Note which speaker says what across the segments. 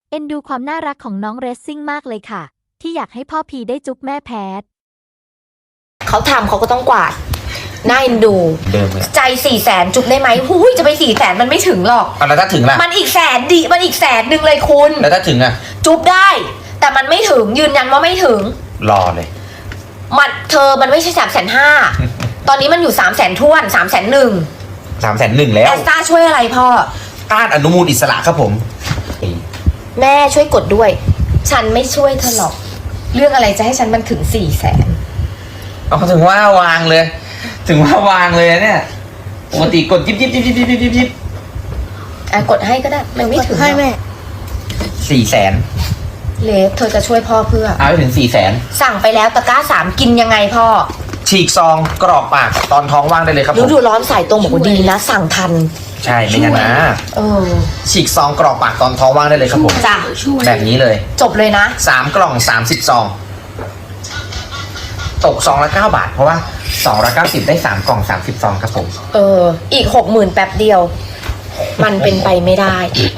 Speaker 1: เอ็นดูความน่ารักของน้องเรซซิ่งมากเลยค่ะ ที่อยากให้พ่อพีได้จุ๊บแม่แพท
Speaker 2: เขาทำเขาก็ต้องกวาดน่าเอ็นดู
Speaker 3: เดิมเลย
Speaker 2: ใจ400,000จุ๊บได้ไหมหูยจะไป400,000มันไม่ถึงหรอก
Speaker 3: แล้วถ้าถึงล่ะ
Speaker 2: มันอีก100,000ดิมันอีก100,000เลยคุณ
Speaker 3: แล้วถ้าถึงอ่ะ
Speaker 2: จุ๊บได้ แต่มันไม่ถึงยืนยันว่าไม่ถึง
Speaker 3: รอเลย
Speaker 2: มันไม่ใช่350,000 ตอนนี้มันอยู่300,000ท้วน301,000
Speaker 3: 301,000แล้ว
Speaker 2: แอสตาช่วยอะไรพ่อ
Speaker 3: ต้านอนุมูลอิสระครับผม
Speaker 2: แม่ช่วยกดด้วย ฉันไม่ช่วยเธอหรอก เรื่องอะไรจะให้ฉันมันถึง400,000
Speaker 3: เอาถึงว่าวางเลย ถึงว่าวางเลยเนี่ยปกติกดยิบ
Speaker 2: กดให้ก็ได้มันไม่ถึงหร
Speaker 4: ให้
Speaker 2: อก
Speaker 4: แม่
Speaker 3: 400,000
Speaker 2: เลฟเธอจะช่วยพ่อเพื่อ
Speaker 3: เอาไปถึง400,000
Speaker 2: สั่งไปแล้วตะกร้า3กินยังไงพ่อ
Speaker 3: ฉีกซองกรอกปากตอนท้องว่างได้เลยครับผ
Speaker 2: รู้
Speaker 3: ม
Speaker 2: ดูร้อนสายตรงบอกว่าดีนะ สั่งทัน
Speaker 3: ใช่ไม่งั้นนะ
Speaker 2: เออ
Speaker 3: ฉีกซองกรอกปากตอนท้องว่างได้เลยครับผม
Speaker 2: จ้ะ
Speaker 3: แบบนี้เลย
Speaker 2: จบเลยนะ
Speaker 3: 3 กล่อง30 ซอง ตกซองละ9 บาท เพราะว่า2ละ90ได้3 กล่อง30 ซองครับผม
Speaker 2: อีก60,000แป๊บเดียว มันเป็นไปไม่ได้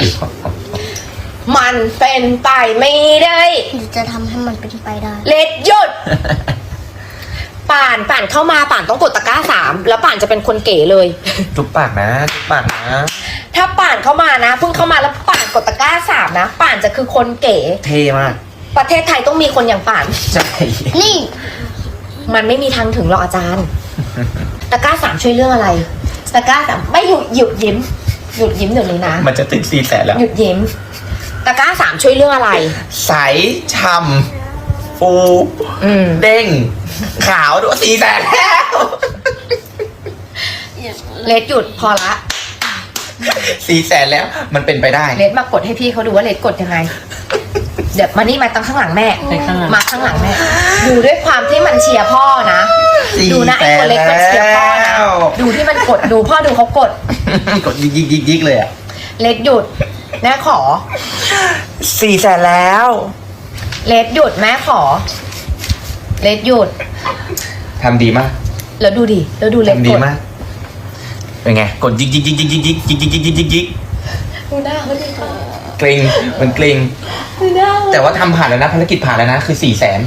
Speaker 2: มันเป็นไปไม่ได้
Speaker 4: หรือจะทำให้มันเป็นไปได้
Speaker 2: เลดหยุด ป่านเข้ามาป่านต้องกดตะกร้า3แล้วป่านจะเป็นคนเก๋เลย
Speaker 3: จุ๊บปากนะจุ๊บปากนะ
Speaker 2: ถ้าป่านเข้ามานะเพิ่งเข้ามาแล้วป่านกดตะกร้า3นะป่านจะคือคนเก๋
Speaker 3: เท่มาก
Speaker 2: ประเทศไทยต้องมีคนอย่างป่าน
Speaker 3: ใช่
Speaker 4: นี่
Speaker 2: มันไม่มีทางถึงหรอกอาจารย์ ตะกร้า3ช่วยเรื่องอะไร ตะกร้า3ไม่หยุดยิ้มเดี๋ยวนี้นะ
Speaker 3: มันจะถึง400,000แล้ว
Speaker 2: หยุดยิ้ม ตะกร้า3ช่วยเรื่องอะไร
Speaker 3: ใสช่ำฟู เด้ง ขาวด้วย400,000แล้ว
Speaker 2: เลดหยุดพอละ
Speaker 3: 400,000แล้ว มันเป็นไปได้
Speaker 2: เลดมากดให้พี่เขาดูว่าเลดกดยังไง เดี๋ยวมานี่มาตั้งข้างหลังแม่ มาข้างหลังแม่ ดูด้วยความที่มันเชียร์พ่อนะ ดูนะไอ้คนเล็กมันเชียร์พ่อนะ ดูที่มันกดดูพ่อดูเขากด
Speaker 3: กดยิกเลยอ่ะ
Speaker 2: เลดหยุดแม่ขอ
Speaker 3: 400,000แล้ว
Speaker 2: เลดหยุดแม่ขอ เลดหยุด
Speaker 3: ทำดีมาก
Speaker 2: แล้วดูดิแล้วดูเลด
Speaker 3: ทำ
Speaker 2: ก
Speaker 3: ดี
Speaker 2: ด
Speaker 3: มาก เป็นไง กดยิก
Speaker 2: ดูหน้าเขาดิ
Speaker 3: เกรงมันเกรง
Speaker 2: ดูหน้า
Speaker 3: แต่ว่าทำผ่านแล้วนะภารกิจผ่านแล้วนะ คือ400,000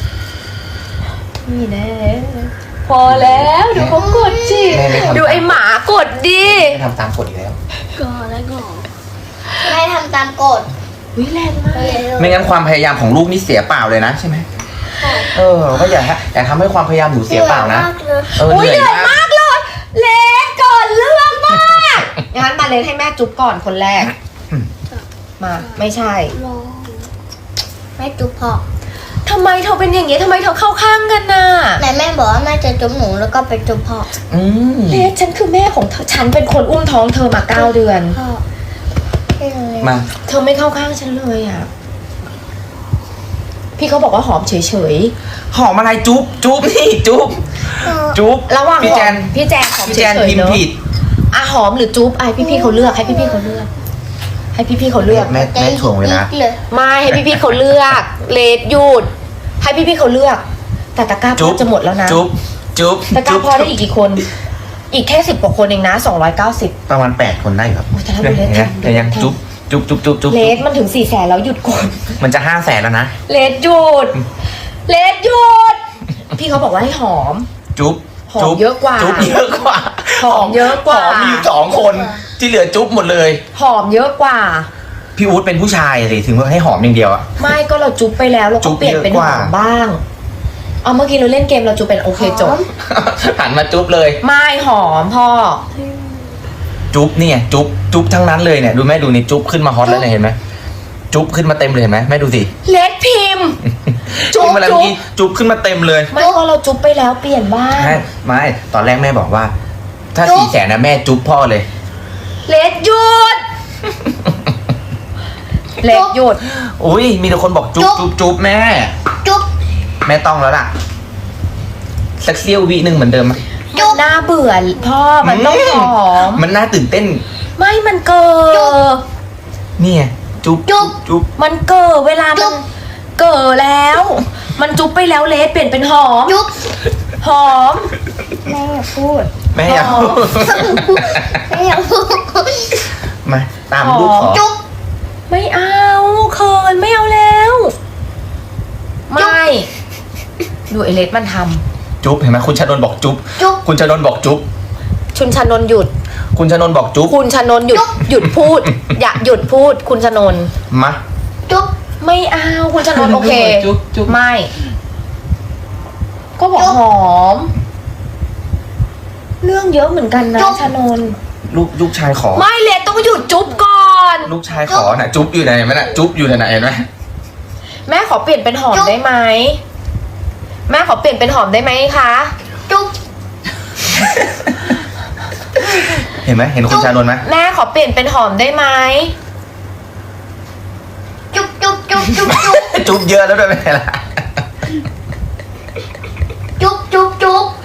Speaker 2: นี่แน่พอแล้วดูเขากดจิ
Speaker 3: แม่ไม่ทำ
Speaker 2: ดูไอหมากดดิ
Speaker 3: ไม่ทำตามกฎอีกแล้ว
Speaker 4: ก่อนแล้วก่อนแม่ทำตามกฎ
Speaker 2: วิแรงมาก
Speaker 3: ไม่งั้นความพยายามของลูกนี่เสียเปล่าเลยนะใช่ไหมก็อย่าทำให้ความพยายามหนูเสียเปล่านะ
Speaker 4: มากเลย
Speaker 2: อุ้ยเหนื่อยมากเลยเลนก่อนเรื่องมากงั้นมาเลนให้แม่จุ๊บก่อนคนแรก มาไม่ใช่
Speaker 4: รอแม่จุ๊บพ่อ
Speaker 2: ทำไมเธอเป็นอย่างนี้ทำไมเธอเข้าข้างกันน่ะ
Speaker 4: แต่แม่บอกว่าแม่จะจุ๊บหนูแล้วก็ไปจุ๊บพ่อ
Speaker 2: เลนฉันคือแม่ของเธอฉันเป็นคนอุ้มท้องเธอมา9 เดือน
Speaker 4: พ่อให้หนูเลย
Speaker 3: มา
Speaker 2: เธอไม่เข้าข้างฉันเลยอ่ะพี่เขาบอกว่าหอมเฉย
Speaker 3: หอมอะไรจุ๊บนี่จุ๊บ
Speaker 2: ๆระหว่าง
Speaker 3: พี่
Speaker 2: หอ
Speaker 3: แจ
Speaker 2: ม
Speaker 3: น
Speaker 2: พี่แจนหอม
Speaker 3: พี่
Speaker 2: เฉ
Speaker 3: แจน
Speaker 2: ย
Speaker 3: พิ
Speaker 2: ๆ
Speaker 3: ม
Speaker 2: เน
Speaker 3: พ์
Speaker 2: อะ
Speaker 3: ผิด
Speaker 2: อ่ะหอมหรือจุ๊บให้พี่เขาเลือกให้พี่เขาเลือก ให้พี่เขาเลือก
Speaker 3: แม่ถ่วงเวลา
Speaker 4: เลย
Speaker 2: ไม่ให้พี่เขาเลือกเลดหยุดให้พี่เขาเลือก แต่ตะกร้าพ่อจะหมดแล้วนะ
Speaker 3: จุ๊บ
Speaker 2: ตะกร้าพ่อได้อีกกี่คน อีกแค่10 กว่าคนเองนะ290
Speaker 3: ประมาณ8 คนได้ครับ
Speaker 2: โอ้ยแต่ถ้าดูเลส
Speaker 3: เห็นไหมแต่ยังจุ๊บ
Speaker 2: เลดมันถึง400,000แล้วหยุดก่อน
Speaker 3: มันจะ500,000แล้วนะ
Speaker 2: เลดหยุดเลดหยุดพี่เขาบอกว่าให้หอม
Speaker 3: จุ๊บ
Speaker 2: หอมเยอะกว่า
Speaker 3: จุ๊บเยอะกว่า
Speaker 2: หอมเยอะกว่า
Speaker 3: หอมมีอยู่2 คนที่เหลือจุ๊บหมดเลย
Speaker 2: หอมเยอะกว่า
Speaker 3: พี่อู๊ดเป็นผู้ชายเลยถึงว่าให้หอมอย่างเดียวอะ
Speaker 2: ไม่ก็เราจุ๊บไปแล้วเรา
Speaker 3: จุ๊
Speaker 2: ก็
Speaker 3: บ
Speaker 2: เปลี่ยนเป็น
Speaker 3: เยอะ
Speaker 2: ห
Speaker 3: กว่า
Speaker 2: อมบ้างเอาเมื่อกี้เราเล่นเกมเราจุ๊บเป็นโอเคจบ
Speaker 3: หันมาจุ๊บเลย
Speaker 2: ไม่หอมพ่อ
Speaker 3: จุ๊บเนี่ยจุ๊บทั้งนั้นเลยเนี่ยดูแม่ดูนี่จุ๊บขึ้นมาฮอตแล้วเนี่ยเห็นไหมจุ๊บขึ้นมาเต็มเลยเห็นไหมแม่ดูสิ
Speaker 2: เลดพิมพ์ จุ๊บ
Speaker 3: เมื่อกี้จุ๊บขึ้นมาเต็มเลย
Speaker 2: ไม่ก็เราจุ๊บไปแล้วเปลี่ยนบ้าง
Speaker 3: ไม่ตอนแรกแม่บอกว่า ถ้า400,000นะแม่จุ๊บพ่อเลย
Speaker 2: เลดหยุดเลดหยุด
Speaker 3: อุ้ยมีแต่คนบอกจุ๊บแม่
Speaker 4: จุ๊บ
Speaker 3: แม่ต้องแล้วล่ะสักเสี้ยววิหนึ่งเหมือนเดิมไหม
Speaker 2: มันน่าเบื่อพ่อมันต้องหอม
Speaker 3: มันน่าตื่นเต้น
Speaker 2: ไม่มันเกิด
Speaker 3: นี่ไงจุ๊บ
Speaker 2: มันเกิดเวลามันเกิดแล้ว มันจุ๊บไปแล้วเลดเปลี่ยนเป็นหอม
Speaker 4: จุ๊บ
Speaker 2: หอมแม่อย่าพูด
Speaker 3: แม่อยาก
Speaker 2: หอม
Speaker 4: แม่อยากพูด
Speaker 3: มาตามลูกขอ
Speaker 2: จุ๊บไม่เอาเขิดูไอเลสมันท
Speaker 3: จุ๊บเห็นไหมคุณชนนท์บอกจุ๊บ
Speaker 4: จุ๊บ
Speaker 3: คุณชนนท์บอกจุ๊บ
Speaker 2: ำชุนชนนท์หยุด
Speaker 3: คุณชนนท์บอกจุ๊บ
Speaker 2: คุณชนนท์หยุดพูด อย่าหยุดพูด คุณชนนท์
Speaker 3: มา
Speaker 4: จุ๊บ
Speaker 2: ไม่เอาคุณชนนท์โอเค
Speaker 5: จุ๊บจุ๊บ
Speaker 2: ไม่ ก็บอกหอม เรื่องเยอะเหมือนกันนะชนนท์
Speaker 3: ลูกชายขอ
Speaker 2: ไม่เลสต้องหยุดจุ๊บก่อน
Speaker 3: ลูกชายขอน่ะจุ๊บอยู่ไหนไหมน่ะจุ๊บอยู่ไหนเห็นไหม
Speaker 2: แม่ขอเปลี่ยนเป็นหอมได้ไหมแม่ขอเปลี่ยนเป็นหอมได้ไหมคะ
Speaker 4: จุ๊บ
Speaker 3: เห็นไหมเห็นคุณชานนท์ไหม
Speaker 2: แม่ขอเปลี่ยนเป็นหอมได้ไหม
Speaker 4: จุ๊บจุ๊บจุ๊บจุ๊บจุ๊บ
Speaker 3: จุ๊บเยอะแล้วด้วยไหมล่ะ
Speaker 4: จุ๊บจุ๊บจุ๊บ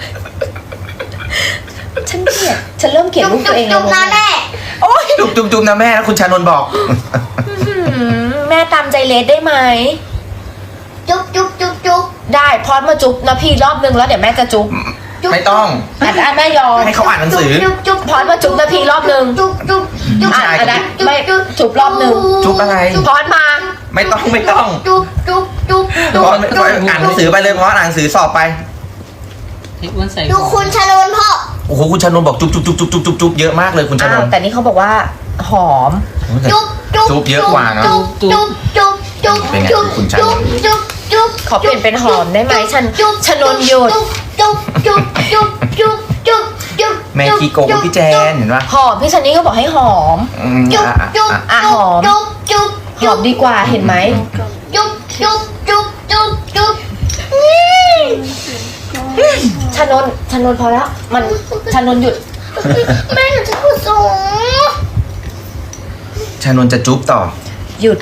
Speaker 2: ฉันเกลียดฉันเริ่มเกลียด
Speaker 4: จุ๊บ
Speaker 2: ลูก
Speaker 4: จุ๊
Speaker 2: ตัว
Speaker 4: บ
Speaker 2: เอง
Speaker 4: จุ๊บ
Speaker 2: แล้ว
Speaker 4: นะแม่
Speaker 2: โอ๊ย
Speaker 3: จุ๊บจุ๊บจุ๊บนะแม่นะคุณชานนท์บอก
Speaker 2: แม่ตามใจเลสได้ไหม
Speaker 4: จุ๊บจุ๊บจุ๊บจุ๊บ
Speaker 2: ได้พอดมาจุ๊บนะพี่รอบนึงแล้วเดี๋ยวแม่จะจุ๊บ
Speaker 3: ไม่ต้อง
Speaker 2: อันแม่ยอม
Speaker 3: ให้เขาอ่านหนังสือ
Speaker 4: จุ๊บจุ๊บ
Speaker 2: พอดมาจุ๊บนะพี่รอบนึง
Speaker 4: จุ๊บจุ๊บจุ๊บ
Speaker 2: อันนั้นไม่จุ๊บรอบนึง
Speaker 3: จุ๊บอะไร
Speaker 2: พอดมา
Speaker 3: ไม่ต้อง
Speaker 4: จุ๊บจุ๊บจุ๊บจุ๊บ
Speaker 3: พออ่านหนังสือไปเลยเพราะอ่านหนังสือสอบไป
Speaker 5: ให้อ้วนใส่
Speaker 4: ดูคุณชนนพ่อ
Speaker 3: โอ้โหคุณชานนท์บอกจุ๊บจุ๊บจุ๊บจุ๊บจุ๊บจุ๊บเยอะมากเลยคุณชาน
Speaker 2: อ้าวน
Speaker 3: ท์
Speaker 2: แต่นี่เขาบอกว่าหอม
Speaker 4: จุ๊บจุ๊บ
Speaker 3: จุ๊บเยอะกว่าเนอะ
Speaker 4: จุ๊บจุ๊บจุ๊บจุ๊บ
Speaker 3: เป็นไง
Speaker 4: จุ๊บ
Speaker 3: คุณชานนท์
Speaker 4: จุ๊บจุ๊บ
Speaker 2: ขอเปลี่ยนเป็นหอมได้ไหมฉัน
Speaker 4: จุ๊บ
Speaker 2: ชนนหยุด
Speaker 4: จุ๊บจุ๊บจุ๊บจุ๊บจุ๊บจุ๊บ
Speaker 3: แม่ขี้โกงพี่แจนเห็นปะ
Speaker 2: หอมพี่ซันนี่ก็บอกให้หอม
Speaker 4: จุ๊บจุ๊บ
Speaker 2: อ่ะหอม
Speaker 4: จุ๊บจุ๊บ
Speaker 2: หอมดีกว่าเห็นไหม
Speaker 4: จุ๊บจุ๊บจุ๊บจุ๊บจุ๊บ
Speaker 2: ชนนพอแล้ว มันชนนหยุด
Speaker 4: แม่หนูจะพูดสูง
Speaker 3: ชานนท์จะจุ๊บต่อ
Speaker 2: หยุด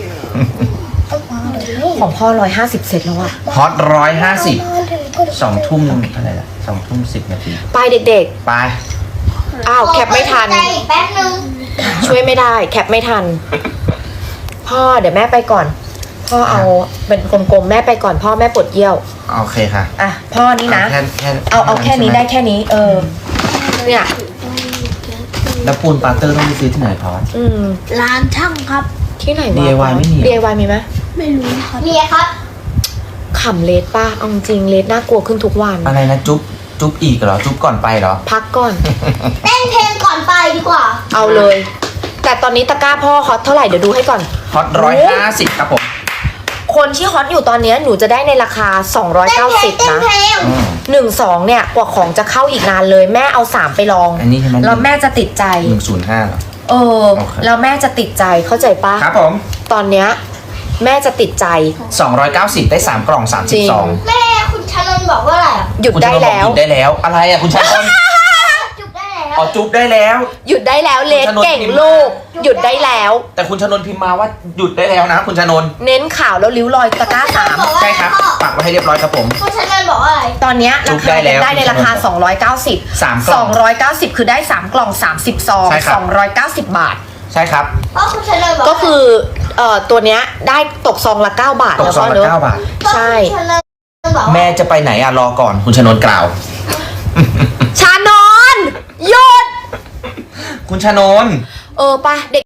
Speaker 2: ของพ่อ150 เซตแล้วอะ
Speaker 3: ฮอต150 2 ทุ่มอะไรล่ะ2 ทุ่ม 10 นาที
Speaker 2: ไปเด็ก
Speaker 3: ไป
Speaker 2: ๆ อ้าวแคปไม่ทัน
Speaker 4: ใจอีกแป๊บนึง
Speaker 2: ช่วยไม่ได้ แคปไม่ทัน พ่อเดี๋ยวแม่ไปก่อน พ่อเอาเป็นกลมๆแม่ไปก่อนพ่อแม่ปวดเยี่ยว
Speaker 3: โอเคค่ะ
Speaker 2: อ่ะพ่อนี่นะ
Speaker 3: เอา
Speaker 2: เอาแค่นี้ได้แค่นี้ เนี่ย
Speaker 3: แล้วปูนปาเตอร์ต้องไปซื้อที่ไหนพอส
Speaker 4: ร้านช่างครับ
Speaker 2: ที่ไหนวะ
Speaker 3: DIY ไม่มีเหรอ
Speaker 2: DIY มีไหม
Speaker 4: ไม่รู้ครับมีครับ
Speaker 2: ขำเลสป้าเอาจริงเลสน่ากลัวขึ้นทุกวัน
Speaker 3: อะไรนะจุ๊บอีกเหรอ จุ๊บก่อนไปเหรอ
Speaker 2: พักก่อน
Speaker 4: เต้นเพลงก่อนไปดีกว่า
Speaker 2: เอาเลย แต่ตอนนี้ตะกร้าพ่อฮอตเท่าไหร่เดี๋ยวดูให้ก่อน
Speaker 3: ฮอต150 ครับผม
Speaker 2: คนที่ฮอตอยู่ตอนนี้หนูจะได้ในราคา 290 นะ
Speaker 3: อืม
Speaker 2: 1-2 เนี่ยกว่าของจะเข้าอีกนานเลยแม่เอา 3 ไปลอง
Speaker 3: อันนี้ใช่ไหม
Speaker 2: แล้วแม่จะติดใจ
Speaker 3: 105เหรอ
Speaker 2: เออ
Speaker 3: โอเค
Speaker 2: แล้วแม่จะติดใจเข้าใจปะ
Speaker 3: ครับผม
Speaker 2: ตอนเนี้ยแม่จะติดใจ
Speaker 3: 290 ได้ 3 กล่อง
Speaker 2: จริง
Speaker 3: 32
Speaker 4: แม่คุณชนนบอกว่าอะไรอ่ะ
Speaker 2: หยุดได้แล้ว
Speaker 3: คุณชานนท์บอกหยุดได้แล้ว อะไรอ่ะคุณชานนท์
Speaker 4: จุ๊บได้แล้ว
Speaker 3: อ๋อจุ๊บได้แล้ว
Speaker 2: หยุดได้แล้วเลส
Speaker 3: คุณชนน
Speaker 2: เก่ง
Speaker 3: พิมพ์
Speaker 2: ลูก
Speaker 4: มา
Speaker 2: หยุดได้แล้ว
Speaker 3: แต่คุณชานนท์พิมพ์มาว่าหยุดได้แล้วนะคุณชานนท์
Speaker 2: เน้นข่าวแล้วริ้วรอยตะกร้า 3
Speaker 3: ใช่ครับปักไว้ให้เรียบร้อยครับผม
Speaker 4: คุณชนนบอกว่าอะไร
Speaker 2: ตอนเนี้ย
Speaker 3: จุ๊
Speaker 2: รา
Speaker 3: บได้
Speaker 2: คา
Speaker 3: แล้ว
Speaker 2: ได้ในราคา 290
Speaker 3: 3 กล่อง
Speaker 2: 290 คือได้ 3 กล่อง 30 ซอง
Speaker 3: ใช่ครับ
Speaker 2: 290 บาท
Speaker 3: ใช่ครับ
Speaker 4: เพราะคุณชนนบอก
Speaker 2: ก็คือตัวเนี้ยได้ตกซองละ 9 บาท
Speaker 3: ตก
Speaker 2: แล้ว
Speaker 3: ซอง
Speaker 2: ก็
Speaker 3: ละ
Speaker 2: เนอะ
Speaker 3: 9 บาท
Speaker 2: ใช่
Speaker 4: คุณชนนบอกว่า
Speaker 3: แม่จะไปไหนอ่ะรอก่อนคุณชานนท์กล่าว
Speaker 2: ชานอนหยุด
Speaker 3: คุณชานนท์
Speaker 2: ป่ะเด็ก